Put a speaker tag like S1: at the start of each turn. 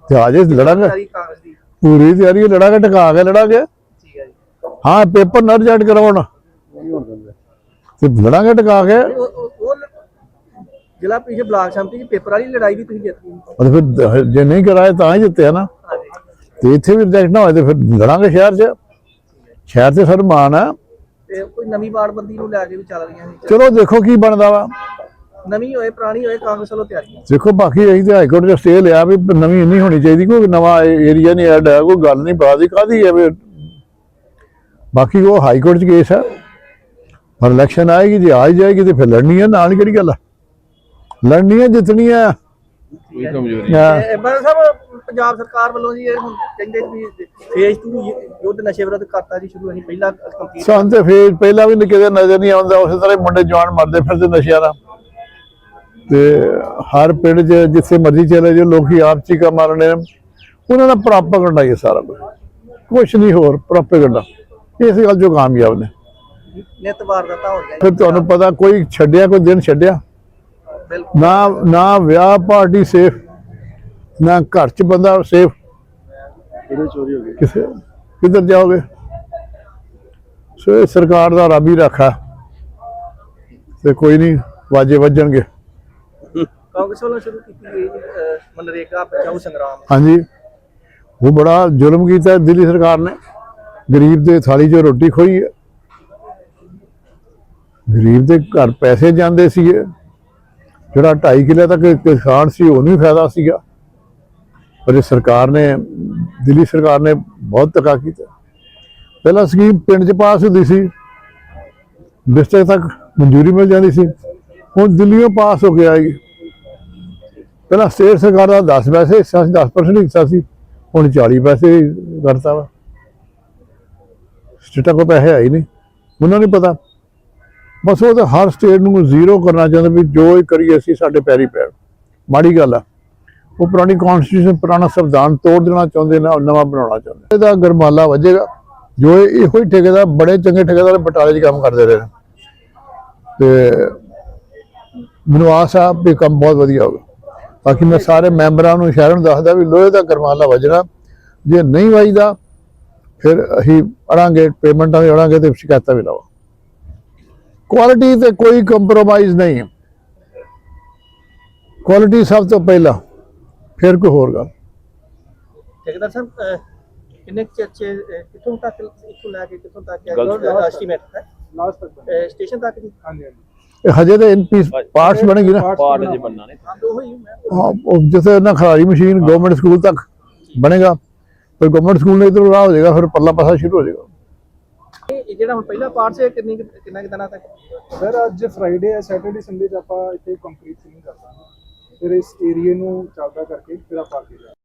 S1: ਤੇ ਆਜੇ ਲੜਾਂਗੇ, ਪੂਰੀ ਤਿਆਰੀ ਲੜਾਂਗੇ, ਟਿਕਾ ਕੇ ਲੜਾਂਗੇ। हाँ पेपर ना रिजल्ट करवाना लड़ांगे टका के
S2: जिला परिषद ब्लॉक समिति की पेपर वाली लड़ाई भी जित
S1: गई फिर जे नहीं कराए तो ही जिते है ना तो इतने भी रिजल्ट ना हो तो फिर लड़ांगे शहर से सर मान है
S2: कोई नवी वार्डबंदी नूं लैके भी चल रही है।
S1: चलो देखो की बनता वा
S2: नवी होए पुरानी होए कांग्रेस वालों तैयारी
S1: देखो बाकी अं तो हाईकोर्ट ने स्टे लिया भी नवी नहीं होनी चाहिए कोई नवा एरिया नहीं ऐड है कोई गल नहीं पता काहदी है भी बाकी वो हाई कोर्ट च केस है पर इलैक्शन आएगी जी आ ही जाएगी तो फिर लड़नी है नाल केड़ी गल है लड़नी है जितनी है
S2: पंजाब सरकार वालों जी हुण कहंदे भी फेज 2 युद्ध नशे विरुद्ध करता जी शुरू असीं पहला कंप्लीट
S1: सन ते फेज पहला भी किते नजर नहीं आउंदा उस तरह मुंडे जवान मरदे फिरदे नशे वाला ते हर पिंड च जिथे मर्जी चले जो लोग आप चीका मारने उन्होंने दा प्रोपेगेंडा ही सारा कुछ नहीं होर प्रोपेगेंडा इस गल जो कामयाब ने फिर तुहानू पता कोई छड्डिया कोई दिन छड्डिया ना ना ब्याह पार्टी सेफ ना घर च बंदा सेफ किधर जाओगे सो सरकार का रब ही रखा तो कोई नहीं वाजे वजणगे हाँ जी वो बड़ा जुल्म किया दिल्ली सरकार ने गरीब के थाली चो रोटी खोई है गरीब के घर पैसे जाते सी जोड़ा 2.5 किले तक किसान से उन्हें फायदा सीगा पर सरकार ने दिल्ली सरकार ने बहुत धक्का किया पहला स्कीम पिंड च पास होती सी डिस्ट्रिक्ट तक मंजूरी मिल जाती सी हुण दिल्लियों पास हो के आएगी पहला स्टेट सरकार का 10 पैसे हिस्सा 10% हिस्सा सी हुण 40 पैसे करता वा स्टेटा को पैसे है ही नहीं उन्होंने नहीं पता बस वो तो हर स्टेट को जीरो करना चाहते भी जो करिए असीं साडे पैरी पैण माड़ी गल है वो पुरानी कॉन्स्टिट्यूशन पुराना संविधान तोड़ देना चाहते ना नवा बनाना चाहते इसदा गरमाला वजेगा जो इहो ही ठेकेदार बड़े चंगे ठेकेदार बटाले च काम करते रहे तो मैनूं आस आ भी काम बहुत वधिया होगा बाकी मैं सारे मैंबरां नूं शहर नूं दसदा भी लोहे का गरमाला वजना जे नहीं वजदा फिर असीं अड़ांगे पेमेंटा भी अड़ांगे तो शिकायत भी लावा क्वालिटी तो कोई कंप्रोमाइज़ नहीं है क्वालिटी सब तो पहला फिर कोई होर गल
S2: ठेकेदार साहब किन्ने चर्चे कितों तक इथों लैके कितों तक एस्टीमेट है लास्ट तक स्टेशन तक जी हां जी
S1: हजे तो इन पीस पार्ट्स बनेगी ना
S2: पार्ट जे बनना ने हां वही
S1: हां जैसे ना खरारी मशीन गवर्नमेंट स्कूल तक बनेगा फिर गवर्नमेंट स्कूल ने इधर हो जाएगा फिर पल्ला पासा शुरू हो जाएगा
S2: ਜਿਹੜਾ ਹੁਣ ਪਹਿਲਾ ਪਾਰਟ ਸੇ ਕਿੰਨਾ ਦਿਨਾਂ ਤੱਕ
S3: ਸਰ ਅੱਜ ਫਰਾਈਡੇ ਹੈ ਸੈਟਰਡੇ ਸੰਡੇ ਚ ਆਪਾਂ ਇੱਥੇ ਕੰਕਰੀਟ ਨਹੀਂ ਕਰਦਾ ਫਿਰ ਇਸ ਏਰੀਏ ਨੂੰ ਚੱਲਦਾ ਕਰਕੇ ਫਿਰ ਆਪਾਂ ਅੱਗੇ